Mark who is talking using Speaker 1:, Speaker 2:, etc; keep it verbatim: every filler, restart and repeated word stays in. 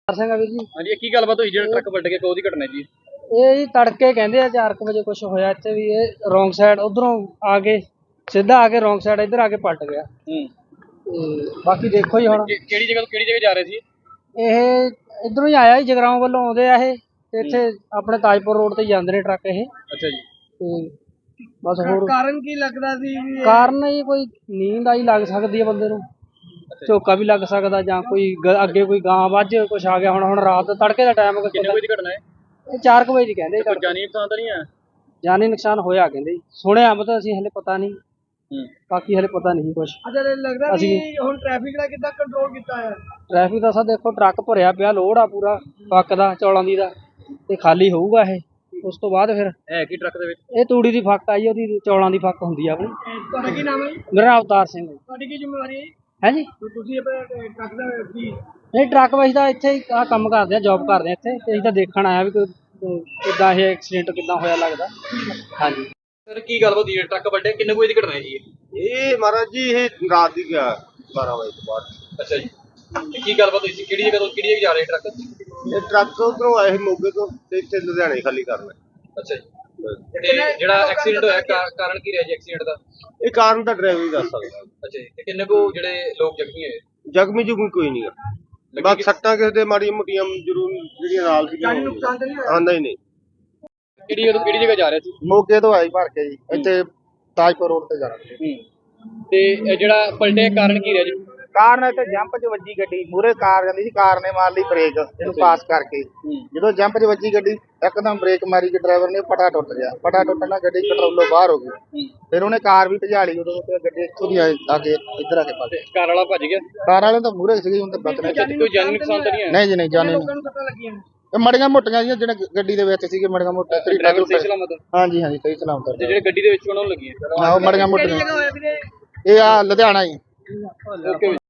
Speaker 1: ਸਿੰਘ ਆ ਵੀਰ ਜੀ।
Speaker 2: ਹਾਂਜੀ, ਇਹ ਕੀ ਗੱਲਬਾਤ ਹੋਈ ਜਿਹੜਾ ਟਰੱਕ ਵੱਢ ਕੇ ਉਹਦੀ ਘਟਨਾ ਜੀ?
Speaker 1: ਇਹ ਜੀ ਤੜਕੇ ਕਹਿੰਦੇ ਆ ਚਾਰ ਕੁ ਵਜੇ ਕੁਝ ਹੋਇਆ ਇੱਥੇ ਵੀ। ਇਹ ਰੋਂਗ ਸਾਈਡ ਉਧਰੋਂ ਆ ਕੇ ਸਿੱਧਾ ਆ ਕੇ ਰੋਂਗ ਸਾਈਡ ਇੱਧਰ ਆ ਕੇ ਪਲਟ ਗਿਆ।
Speaker 2: ਹੂੰ।
Speaker 1: ਤੇ ਬਾਕੀ ਦੇਖੋ ਜੀ ਹੁਣ
Speaker 2: ਕਿਹੜੀ ਜਗ੍ਹਾ ਤੋਂ ਕਿਹੜੀ ਜਗ੍ਹਾ ਜਾ ਰਹੇ ਸੀ
Speaker 1: ਇਹ? ਇਧਰੋਂ ਹੀ ਆਇਆ ਜੀ, ਜਗਰਾਉਂ ਵੱਲੋਂ ਆਉਂਦੇ ਆ ਇਹ, ਤੇ ਇੱਥੇ ਆਪਣੇ ਤਾਜਪੁਰ ਰੋਡ ਤੇ ਜਾਂਦੇ ਨੇ ਟਰੱਕ ਇਹ।
Speaker 2: ਅੱਛਾ ਜੀ।
Speaker 1: ਤੇ ਬਸ ਹੋਰ
Speaker 2: ਕਾਰਨ ਕੀ ਲੱਗਦਾ ਸੀ?
Speaker 1: ਕਾਰਨ ਹੀ ਕੋਈ ਨੀਂਦ ਆਈ ਲੱਗ ਸਕਦੀ ਹੈ ਬੰਦੇ ਨੂੰ, ਝੋਕਾ ਵੀ ਲੱਗ ਸਕਦਾ, ਜਾਂ ਕੋਈ ਗ- ਅੱਗੇ ਕੋਈ ਗਾਂ ਵੱਝ ਕੁਛ ਆ ਗਿਆ। ਹੁਣ ਹੁਣ ਰਾਤ ਤੜਕੇ ਦਾ ਟਾਈਮ
Speaker 2: ਕਿੰਨੇ ਵਜੇ ਦੀ ਘਟਨਾ ਹੈ?
Speaker 1: ਇਹ ਚਾਰ ਕੁ ਵਜੇ ਦੀ ਕਹਿੰਦੇ।
Speaker 2: ਕੋਈ ਜਾਨੀ ਨੁਕਸਾਨ ਤਾਂ ਨਹੀਂ ਹੈ?
Speaker 1: ਜਾਨੀ ਨੁਕਸਾਨ ਹੋਇਆ ਕਹਿੰਦੇ ਜੀ, ਸੁਣਿਆ ਮਤਲਬ ਅਸੀਂ ਹਲੇ ਪਤਾ ਨਹੀਂ,
Speaker 2: ਹੂੰ।
Speaker 1: ਬਾਕੀ ਹਲੇ ਪਤਾ ਨਹੀਂ ਕੁਛ।
Speaker 2: ਅੱਛਾ, ਲੱਗਦਾ
Speaker 1: ਅਸੀਂ
Speaker 2: ਹੁਣ ਟ੍ਰੈਫਿਕ ਦਾ ਕਿੱਦਾਂ ਕੰਟਰੋਲ ਕੀਤਾ ਹੈ?
Speaker 1: ਟ੍ਰੈਫਿਕ ਦਾ ਸਾ ਦੇਖੋ ਟਰੱਕ ਭਰਿਆ ਪਿਆ, ਲੋਡ ਆ ਪੂਰਾ ਪੱਕ ਦਾ ਚੌਲਾਂ ਦੀ ਦਾ, ਤੇ ਖਾਲੀ ਹੋਊਗਾ ਇਹ। ਉਸ ਤੋਂ ਬਾਅਦ ਫਿਰ
Speaker 2: ਹੈ ਕੀ ਟਰੱਕ ਦੇ ਵਿੱਚ?
Speaker 1: ਇਹ ਤੂੜੀ ਦੀ ਫੱਕ ਆਈ, ਉਹਦੀ ਚੌਲਾਂ ਦੀ ਫੱਕ ਹੁੰਦੀ ਆ ਆਪਣੀ।
Speaker 2: ਤੁਹਾਡਾ ਕੀ ਨਾਮ ਹੈ ਜੀ?
Speaker 1: ਮੇਰਾ ਨਾਮ ਅਵਤਾਰ ਸਿੰਘ ਹੈ।
Speaker 2: ਤੁਹਾਡੀ ਕੀ ਜ਼ਿੰਮੇਵਾਰੀ ਹੈ?
Speaker 1: ਹੈ ਜੀ,
Speaker 2: ਤੁਸੀਂ ਆਪਣੇ ਟਰੱਕ ਦਾ ਕੀ?
Speaker 1: ਨਹੀਂ ਟਰੱਕ ਵਾਈਜ਼ ਦਾ ਇੱਥੇ ਹੀ ਆਹ ਕੰਮ ਕਰਦੇ ਆ, ਜੌਬ ਕਰਦੇ ਆ ਇੱਥੇ, ਤੇ ਅਸੀਂ ਤਾਂ ਦੇਖਣ ਆਇਆ ਵੀ ਕੋਈ ਕਿੱਦਾਂ ਇਹ ਐਕਸੀਡੈਂਟ ਕਿੱਦਾਂ ਹੋਇਆ ਲੱਗਦਾ। ਹਾਂਜੀ
Speaker 2: ਸਰ, ਕੀ ਗੱਲਬਾਤ ਹੋਈ? ਟਰੱਕ ਵੱਢੇ ਕਿੰਨੇ ਵਜੇ ਦੀ ਘਟਨਾ ਹੈ ਜੀ?
Speaker 3: ਇਹ ਮਹਾਰਾਜ ਜੀ ਇਹ ਰਾਤ ਦੀ ਗਿਆ ਬਾਰਾਂ ਵਜੇ ਤੋਂ ਬਾਅਦ।
Speaker 2: ਅੱਛਾ ਜੀ। ਤੇ ਕੀ ਗੱਲਬਾਤ ਹੋਈ ਸੀ? ਕਿਹੜੀ ਜਗ੍ਹਾ ਤੋਂ ਕਿਹੜੀ ਜਗ੍ਹਾ ਜਾ ਰਹੇ ਟਰੱਕ?
Speaker 3: ਇਹ ਟਰੱਕ ਉਧਰੋਂ ਆਏ ਸੀ ਮੋਗੇ ਤੋਂ, ਤੇ ਇੱਥੇ ਲੁਧਿਆਣੇ ਖਾਲੀ ਕਰਨਾ।
Speaker 2: ਅੱਛਾ ਜੀ। ਤੇ ਜਿਹੜਾ ਐਕਸੀਡੈਂਟ ਹੋਇਆ ਕਾ- ਕਾਰਨ ਕੀ ਰਿਹਾ ਜੀ ਐਕਸੀਡੈਂਟ ਦਾ?
Speaker 3: ਇਹ ਕਾਰਨ ਤਾਂ ਡਰਾਈਵਰ ਹੀ ਦੱਸ ਸਕਦਾ।
Speaker 2: ਅੱਛਾ ਜੀ। ਤੇ ਕਿੰਨੇ ਕੋ ਜਿਹੜੇ ਲੋਕ ਜ਼ਖਮੀ ਹੋਏ?
Speaker 3: ਜ਼ਖਮੀ ਜੁਗਮੀ ਕੋਈ ਨਹੀਂ ਆ, ਬਸ ਸੱਟਾਂ ਕਿਸੇ ਦੇ ਮਾੜੀਆਂ ਮੋਟੀਆਂ ਜ਼ਰੂਰ ਜਿਹੜੀਆਂ ਨਾਲ ਸੀਗੀਆਂ ਆਂਦਾ ਹੀ ਨਹੀਂ।
Speaker 2: ਕਿਹੜੀ ਜਗ੍ਹਾ ਤੋਂ ਕਿਹੜੀ ਜਗ੍ਹਾ ਜਾ ਰਹੇ ਸੀ?
Speaker 3: ਮੋਗੇ ਤੋਂ ਆਈ ਭਰ ਕੇ ਜੀ, ਇੱਥੇ ਤਾਜਪੁਰ ਰੋਡ ਤੇ ਜਾਣਾ।
Speaker 2: ਹੂੰ। ਤੇ ਇਹ ਜਿਹੜਾ ਪਲਟੇ ਕਾਰਨ ਕੀ ਰਿਹਾ ਜੀ?
Speaker 4: ਕਾਰ ਨੇ ਤੇ ਜੰਪ 'ਚ ਵੱਜੀ ਗੱਡੀ, ਮੂਹਰੇ ਕਾਰ ਜਾਂਦੀ ਸੀ, ਕਾਰ ਨੇ ਮਾਰ ਲਈ ਬ੍ਰੇਕ ਇਹਨੂੰ ਪਾਸ ਕਰਕੇ। ਜਦੋਂ ਜੰਪ 'ਚ ਵੱਜੀ ਗੱਡੀ, ਇੱਕਦਮ ਬ੍ਰੇਕ ਮਾਰੀ ਕਿ ਡਰਾਈਵਰ ਨੇ ਪਟਾ ਟੁੱਟ ਗਿਆ। ਪਟਾ ਟੁੱਟਣ ਨਾਲ ਗੱਡੀ ਕੰਟਰੋਲੋਂ ਬਾਹਰ ਹੋ ਗਈ। ਫਿਰ ਉਹਨੇ ਕਾਰ ਵੀ ਭਜਾ ਲਈ, ਉਦੋਂ ਤੇ ਗੱਡੀ ਇੱਥੋਂ ਦੀ ਆ ਕੇ ਇੱਧਰ ਆ ਕੇ ਪਲਟੀ।
Speaker 2: ਕਾਰ ਵਾਲਾ ਭੱਜ ਗਿਆ?
Speaker 4: ਕਾਰ ਵਾਲੇ ਤਾਂ ਮੂਹਰੇ ਸੀਗੇ, ਹੁਣ ਤਾਂ ਬਚਨੇ।
Speaker 2: ਕੋਈ ਜਾਨੀ ਨੁਕਸਾਨ ਤਾਂ ਨਹੀਂ ਹੈ?
Speaker 4: ਨਹੀਂ ਜੀ ਨਹੀਂ, ਜਾਣੇ ਨਹੀਂ। ਇਹ ਮੜੀਆਂ ਮੋਟੀਆਂ ਜਿਹੀਆਂ ਜਿਹੜੇ ਗੱਡੀ ਦੇ ਵਿੱਚ ਸੀਗੇ, ਮੜੀਆਂ ਮੋਟੀਆਂ
Speaker 2: ਡਰਾਈਵਰ ਸਹੀ ਸਲਾਮਤ?
Speaker 4: ਹਾਂਜੀ ਹਾਂਜੀ ਸਹੀ ਸਲਾਮਤ।
Speaker 2: ਤੇ ਜਿਹੜੇ ਗੱਡੀ ਦੇ ਵਿੱਚ ਉਹਨਾਂ ਨੂੰ ਲੱਗੀਆਂ?
Speaker 4: ਆਹੋ ਮੜੀਆਂ ਮੋਟੀਆਂ। ਇਹ ਆ ਲੁਧਿਆਣਾ ਹੀ।
Speaker 2: ਓਕੇ।